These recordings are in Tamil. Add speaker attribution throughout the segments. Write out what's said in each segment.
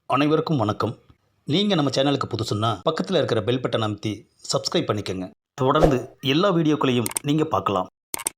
Speaker 1: அனைவருக்கும் வணக்கம். நீங்கள் நம்ம சேனலுக்கு புதுசுன்னா பக்கத்தில் இருக்கிற பெல் பட்டனை அமைத்தி சப்ஸ்கிரைப் பண்ணிக்கோங்க. தொடர்ந்து எல்லா வீடியோக்களையும் நீங்கள் பார்க்கலாம்.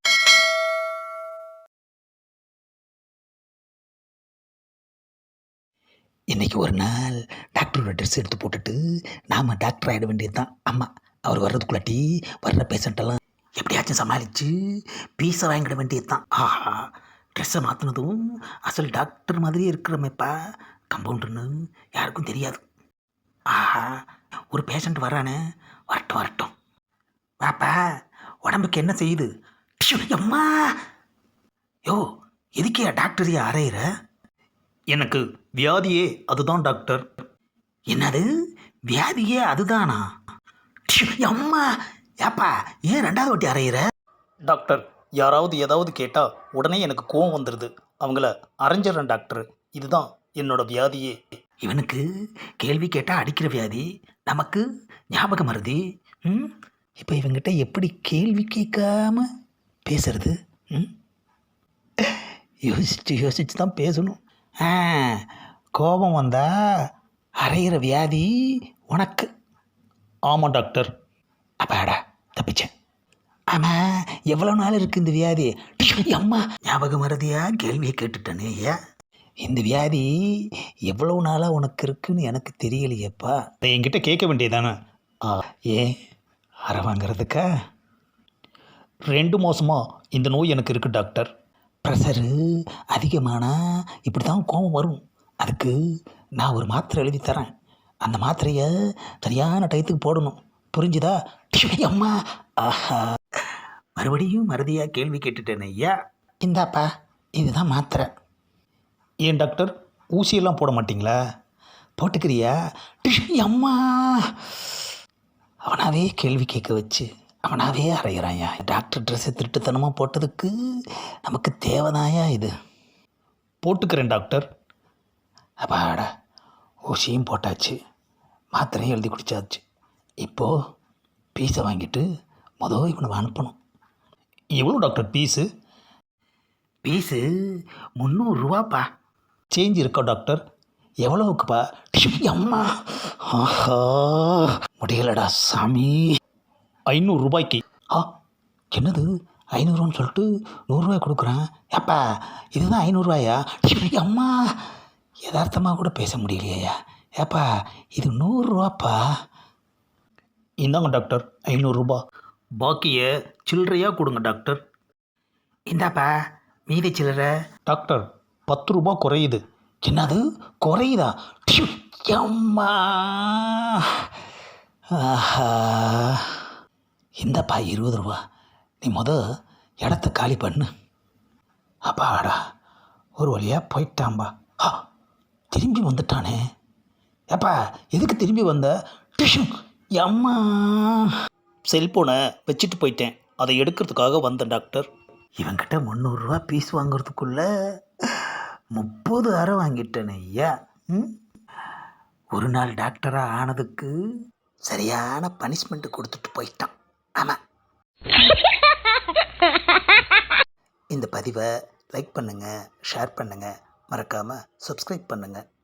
Speaker 2: இன்றைக்கி ஒரு நாள் டாக்டரோட ட்ரெஸ் எடுத்து போட்டுட்டு நாம் டாக்டர் ஆகிட வேண்டியது தான். ஆமாம், அவர் வர்றதுக்குள்ளாட்டி வர்ற பேஷண்ட்டெல்லாம் எப்படியாச்சும் சமாளித்து பீஸை வாங்கிட வேண்டியது தான். ஆஹா, ட்ரெஸ்ஸை மாற்றினதும் அசல் டாக்டர் மாதிரியே இருக்கிறமேப்பா. கம்பவுண்டர்னு யாருக்கும் தெரியாது. ஆஹா, ஒரு பேஷண்ட் வரானே, வரட்டும் வரட்டும். வாப்பா, உடம்புக்கு என்ன செய்யுது? டிஷ்யூ, அம்மா! யோ, எதுக்கே டாக்டரையே அரையிற?
Speaker 1: எனக்கு வியாதியே அதுதான் டாக்டர்.
Speaker 2: என்னது, வியாதியே அதுதானா? டிஷ்யூ, அம்மா! ஏப்பா, ஏன் ரெண்டாவது வாட்டி அரையிற?
Speaker 1: டாக்டர், யாராவது ஏதாவது கேட்டால் உடனே எனக்கு கோவம் வந்துடுது. அவங்கள அரைஞ்சிட்றேன் டாக்டர். இதுதான் என்னோட வியாதியே.
Speaker 2: இவனுக்கு கேள்வி கேட்டால் அடிக்கிற வியாதி, நமக்கு ஞாபக மறதி. இப்போ இவங்கிட்ட எப்படி கேள்வி கேட்காம பேசுறது? யோசிச்சு யோசிச்சு தான் பேசணும். கோபம் வந்தா அரைகிற வியாதி உனக்கு.
Speaker 1: ஆமாம் டாக்டர்.
Speaker 2: அப்பாடா, தப்பிச்சேன். ஆமாம், எவ்வளோ நாள் இருக்குது இந்த வியாதி? அம்மா, ஞாபக மறதியா கேள்வியை கேட்டுட்டேனே. ஏன் இந்த வியாதி எவ்வளோ நாளாக உனக்கு இருக்குன்னு எனக்கு தெரியலையேப்பா.
Speaker 1: அதை என்கிட்ட கேட்க வேண்டியதானே?
Speaker 2: ஏன் அரை வாங்கிறதுக்கா?
Speaker 1: 2 மாதமாக இந்த நோய் எனக்கு இருக்குது டாக்டர்.
Speaker 2: ப்ரெஷரு அதிகமானால் இப்படி தான் கோபம் வரும். அதுக்கு நான் ஒரு மாத்திரை எழுதி தரேன். அந்த மாத்திரையை சரியான டயத்துக்கு போடணும். புரிஞ்சுதா? அம்மா! ஆஹா, மறுபடியும் மறதியாக கேள்வி கேட்டுட்டேன் ஐயா. இந்தாப்பா, இதுதான் மாத்திரை.
Speaker 1: ஏன் டாக்டர், ஊசியெல்லாம் போட மாட்டிங்களா?
Speaker 2: போட்டுக்கிறியா? அம்மா! அவனாவே கேள்வி கேட்க வச்சு அவனாவே அறையிறாயா. டாக்டர் ட்ரெஸ்ஸை திருட்டுத்தனமாக போட்டதுக்கு நமக்கு தேவைதாயா இது?
Speaker 1: போட்டுக்கிறேன் டாக்டர்.
Speaker 2: அப்பாடா, ஊசியும் போட்டாச்சு, மாத்திரையும் எழுதி குடிச்சாச்சு. இப்போது பீஸை வாங்கிட்டு இவனை அனுப்பணும்.
Speaker 1: எவ்வளோ டாக்டர் பீஸு?
Speaker 2: பீஸு 300 ரூபாப்பா.
Speaker 1: சேஞ்ச் இருக்கா டாக்டர்?
Speaker 2: எவ்வளோவுக்குப்பா? அம்மா! ஆஹா, முடியலடா சாமி.
Speaker 1: 500 ரூபாய்க்கு.
Speaker 2: என்னது 500 சொல்லிட்டு 100 ரூபாய் கொடுக்குறேன்? ஏப்பா, இதுதான் 500 ரூபாயா? அம்மா, யதார்த்தமாக கூட பேச முடியலையா? ஏப்பா, இது 100 ரூபாப்பா.
Speaker 1: இந்தாங்க டாக்டர் 500 ரூபா. பாக்கியை சில்லறையாக கொடுங்க டாக்டர்.
Speaker 2: இந்தாப்பா மீதி சில்லறை.
Speaker 1: டாக்டர், 10 ரூபா குறையுது.
Speaker 2: என்னது குறையுதா? அம்மா! ஆஹா, இந்தப்பா 20 ரூபா. நீ இடத்த காலி பண்ணு. அப்பாடா, ஒரு வழியாக போயிட்டான்பா. திரும்பி வந்துட்டானே. ஏப்பா, எதுக்கு திரும்பி வந்த? அம்மா!
Speaker 1: செல்ஃபோனை வச்சுட்டு போயிட்டேன், அதை எடுக்கிறதுக்காக வந்தேன் டாக்டர்.
Speaker 2: இவங்கிட்ட 300 ரூபா பீஸ் வாங்குறதுக்குள்ள 30 அரை வாங்கிட்டேன் ஐயா. ஒரு நாள் டாக்டராக ஆனதுக்கு சரியான பனிஷ்மெண்ட்டு கொடுத்துட்டு போயிட்டான். ஆமாம். இந்த பதிவை லைக் பண்ணுங்கள், ஷேர் பண்ணுங்கள், மறக்காமல் சப்ஸ்கிரைப் பண்ணுங்கள்.